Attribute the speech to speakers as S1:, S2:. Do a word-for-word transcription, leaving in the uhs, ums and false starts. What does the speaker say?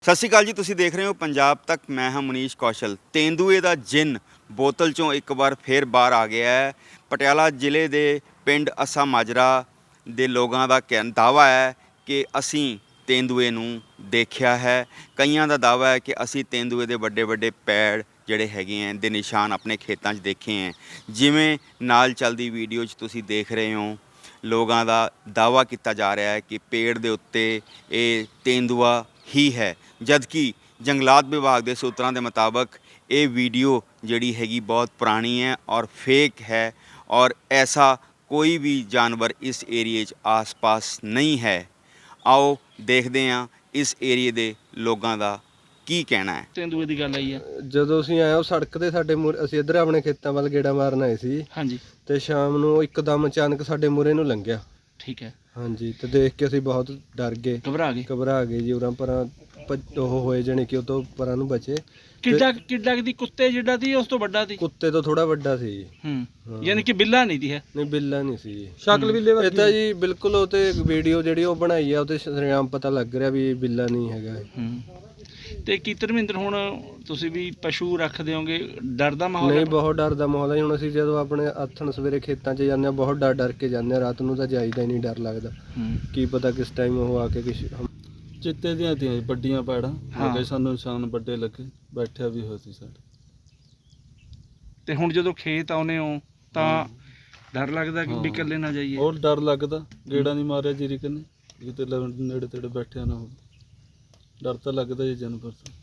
S1: ਸਤਿ ਸ਼੍ਰੀ ਅਕਾਲ ਜੀ, ਤੁਸੀਂ ਦੇਖ ਰਹੇ ਹੋ ਪੰਜਾਬ ਤੱਕ। ਮੈਂ ਹਾਂ ਮਨੀਸ਼ ਕੌਸ਼ਲ। ਤੇਂਦੂਏ ਦਾ ਜਿੰਨ ਬੋਤਲ ਚੋਂ ਇੱਕ ਵਾਰ ਫੇਰ ਬਾਹਰ ਆ ਗਿਆ ਹੈ। ਪਟਿਆਲਾ ਜ਼ਿਲ੍ਹੇ ਦੇ ਪਿੰਡ ਅੱਸਾ ਮਾਜਰਾ ਦੇ ਲੋਕਾਂ ਦਾ ਕਹਿ ਦਾਅਵਾ ਹੈ ਕਿ ਅਸੀਂ ਤੇਂਦੂਏ ਨੂੰ ਦੇਖਿਆ ਹੈ। ਕਈਆਂ ਦਾ ਦਾਅਵਾ ਹੈ ਕਿ ਅਸੀਂ ਤੇਂਦੂਏ ਦੇ ਵੱਡੇ ਵੱਡੇ ਪੈੜ ਜਿਹੜੇ ਹੈਗੇ ਹੈ ਦੇ ਨਿਸ਼ਾਨ ਆਪਣੇ ਖੇਤਾਂ 'ਚ ਦੇਖੇ ਹੈ। ਜਿਵੇਂ ਨਾਲ ਚੱਲਦੀ ਵੀਡੀਓ 'ਚ ਤੁਸੀਂ ਦੇਖ ਰਹੇ ਹੋ, ਲੋਕਾਂ ਦਾ ਦਾਅਵਾ ਕੀਤਾ ਜਾ ਰਿਹਾ ਹੈ ਕਿ ਪੇੜ ਦੇ ਉੱਤੇ ਇਹ ਤੇਂਦੂਆ ਹੀ ਹੈ, ਜਦਕਿ ਜੰਗਲਾਤ ਵਿਭਾਗ ਦੇ ਸੂਤਰਾਂ ਦੇ ਮੁਤਾਬਕ ਇਹ ਵੀਡੀਓ ਜਿਹੜੀ ਹੈਗੀ ਬਹੁਤ ਪੁਰਾਣੀ ਹੈ ਔਰ ਫੇਕ ਹੈ ਔਰ ਐਸਾ ਕੋਈ ਵੀ ਜਾਨਵਰ ਇਸ ਏਰੀਏ 'ਚ ਆਸ-ਪਾਸ ਨਹੀਂ ਹੈ। ਆਓ ਦੇਖਦੇ ਹਾਂ ਇਸ ਏਰੀਏ ਦੇ ਲੋਕਾਂ ਦਾ ਕੀ ਕਹਿਣਾ ਹੈ।
S2: ਤੇਂਦੂਏ ਦੀ ਗੱਲ ਆਈ ਹੈ
S3: ਜਦੋਂ ਅਸੀਂ ਆਏ ਉਹ ਸੜਕ ਤੇ ਸਾਡੇ ਮੂਹਰੇ, ਅਸੀਂ ਇੱਧਰ ਆਪਣੇ ਖੇਤਾਂ ਵੱਲ ਗੇੜਾ ਮਾਰਨ ਆਏ ਸੀ।
S2: ਹਾਂਜੀ,
S3: ਤੇ ਸ਼ਾਮ ਨੂੰ ਇੱਕਦਮ ਅਚਾਨਕ ਸਾਡੇ ਮੂਹਰੇ ਨੂੰ ਲੰਘਿਆ।
S2: ਠੀਕ ਹੈ।
S3: ਹਾਂਜੀ, ਤੇ ਦੇਖ ਕੇ ਅਸੀਂ ਬਹੁਤ ਡਰ ਗਏ,
S2: ਘਬਰਾ ਗਏ
S3: ਘਬਰਾ ਗਏ ਜੀ। ਉਰਾਂ ਪਰਾਂ ਭੱਜ- ਉਹ ਹੋਏ ਜਾਣੀ ਕਿ ਉਹ ਤੋਂ ਪਰਾਂ ਨੂੰ ਬਚੇ।
S2: ਕਿੱਡਾ ਕਿੱਡਾ ਦੀ ਕੁੱਤੇ ਜਿੱਡਾ ਦੀ ਉਸ ਤੋਂ ਵੱਡਾ ਸੀ?
S3: ਕੁੱਤੇ ਤੋਂ ਥੋੜਾ ਵੱਡਾ ਸੀ ਜੀ।
S2: ਹੂੰ, ਯਾਨੀ ਕਿ ਬਿੱਲਾ ਨਹੀਂ ਦੀ ਹੈ।
S3: ਨਹੀਂ, ਬਿੱਲਾ ਨਹੀਂ ਸੀ ਜੀ। ਸ਼ਕਲ ਬਿੱਲੇ ਵਰਗੀ। ਇਹ ਤਾਂ ਜੀ ਬਿਲਕੁਲ ਉਹ ਤੇ ਵੀਡੀਓ ਜਿਹੜੀ ਉਹ ਬਣਾਈ ਆ ਉਹ ਤੇ ਸ਼ਰੇਆਮ ਪਤਾ ਲੱਗ ਰਿਹਾ ਵੀ ਇਹ ਬਿੱਲਾ ਨਹੀਂ ਹੈਗਾ।
S2: ਹੂੰ, ਤੇ ਕੀ ਧਰਮਿੰਦਰ ਹੁਣ ਤੁਸੀਂ ਵੀ ਪਸ਼ੂ ਰੱਖਦੇ ਹੋਗੇ, ਡਰ ਦਾ ਮਾਹੌਲ
S3: ਨਹੀਂ, ਬਹੁਤ ਡਰ ਦਾ ਮਾਹੌਲ ਹੈ। ਹੁਣ ਅਸੀਂ ਜਦੋਂ ਆਪਣੇ ਆਥਣ ਸਵੇਰੇ ਖੇਤਾਂ 'ਚ ਜਾਂਦੇ ਹਾਂ, ਬਹੁਤ ਡਰ ਡਰ ਕੇ ਜਾਂਦੇ ਹਾਂ। ਰਾਤ ਨੂੰ ਤਾਂ ਜਾਈਦਾ ਹੀ ਨਹੀਂ, ਡਰ ਲੱਗਦਾ।
S2: ਹੂੰ,
S3: ਕੀ ਪਤਾ ਕਿਸ ਟਾਈਮ ਉਹ ਆ ਕੇ ਕਿਸ
S4: ਚਿੱਤੇ ਦੀਆਂ ਤੀਆਂ ਵੱਡੀਆਂ ਪੈੜਾਂ
S2: ਹਾਂ।
S4: ਲੱਗੇ, ਸਾਨੂੰ ਨਿਸ਼ਾਨ ਵੱਡੇ ਲੱਗੇ, ਬੈਠਿਆ ਵੀ ਹੋਇਆ ਸੀ ਸਾਡੇ।
S2: ਤੇ ਹੁਣ ਜਦੋਂ ਖੇਤ ਆਉਨੇ ਹੋ ਤਾਂ ਡਰ ਲੱਗਦਾ ਕਿ ਵੀ ਇਕੱਲੇ ਨਾ ਜਾਈਏ?
S4: ਹੋਰ ਡਰ ਲੱਗਦਾ, ਗੇੜਾ ਨਹੀਂ ਮਾਰਿਆ ਜੀਰੀ ਕਨੇ ਕਿਤੇ ਲ- ਨੇੜੇ ਤੇੜੇ ਬੈਠਿਆ ਨਾ ਹੋਵੇ। ਡਰ ਤਾਂ ਲੱਗਦਾ ਜੀ ਜਾਨਵਰ ਤੋਂ।